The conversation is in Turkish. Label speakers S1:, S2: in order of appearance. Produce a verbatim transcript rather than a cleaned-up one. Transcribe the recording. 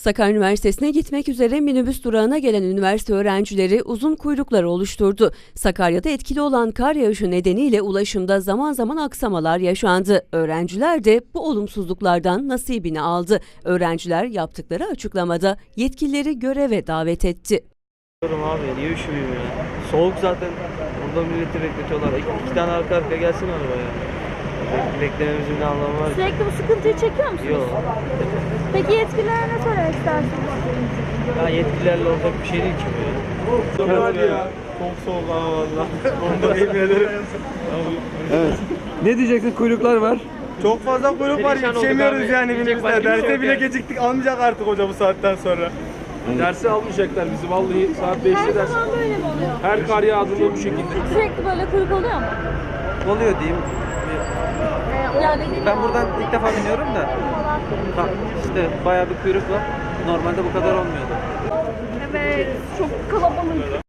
S1: Sakarya Üniversitesi'ne gitmek üzere minibüs durağına gelen üniversite öğrencileri uzun kuyruklar oluşturdu. Sakarya'da etkili olan kar yağışı nedeniyle ulaşımda zaman zaman aksamalar yaşandı. Öğrenciler de bu olumsuzluklardan nasibini aldı. Öğrenciler yaptıkları açıklamada yetkilileri göreve davet etti.
S2: Abi niye üşümeyeyim ya? Soğuk zaten. Burada milleti bekletiyorlar. İki, iki tane arka arkaya gelsin arabaya. Beklememizin ne anlamı var?
S3: Sürekli bu sıkıntıyı çekiyor musunuz?
S2: Yok.
S3: Peki yetkililere ne söylemek istersiniz?
S2: Ya yetkililerle olacak bir şey değil ki bu ya.
S4: Çok hadi ya. Çok soğuk ha valla. Onda yemin
S5: Evet. Ne diyeceksin? Kuyruklar var.
S4: Çok fazla kuyruk var,
S2: Perişan
S4: yetişemiyoruz
S2: olduk abi.
S4: yani
S2: Yiyecek başka
S4: minibüsler.
S2: bir şey
S4: Derse
S2: yok
S4: bile
S2: yani.
S4: geciktik, almayacak artık hoca bu saatten sonra.
S6: Dersi almayacaklar bizi vallahi saat
S3: Her
S6: beşte ders.
S3: zaman böyle mi oluyor?
S6: Her kar yağdığında bu şekilde.
S3: Sürekli böyle kuyruk oluyor mu?
S7: Oluyor diyeyim.
S3: Yani
S7: Ben buradan ilk defa biniyorum da ha, işte bayağı bir kuyruk var. Normalde bu kadar olmuyordu.
S3: Evet, çok kalabalık.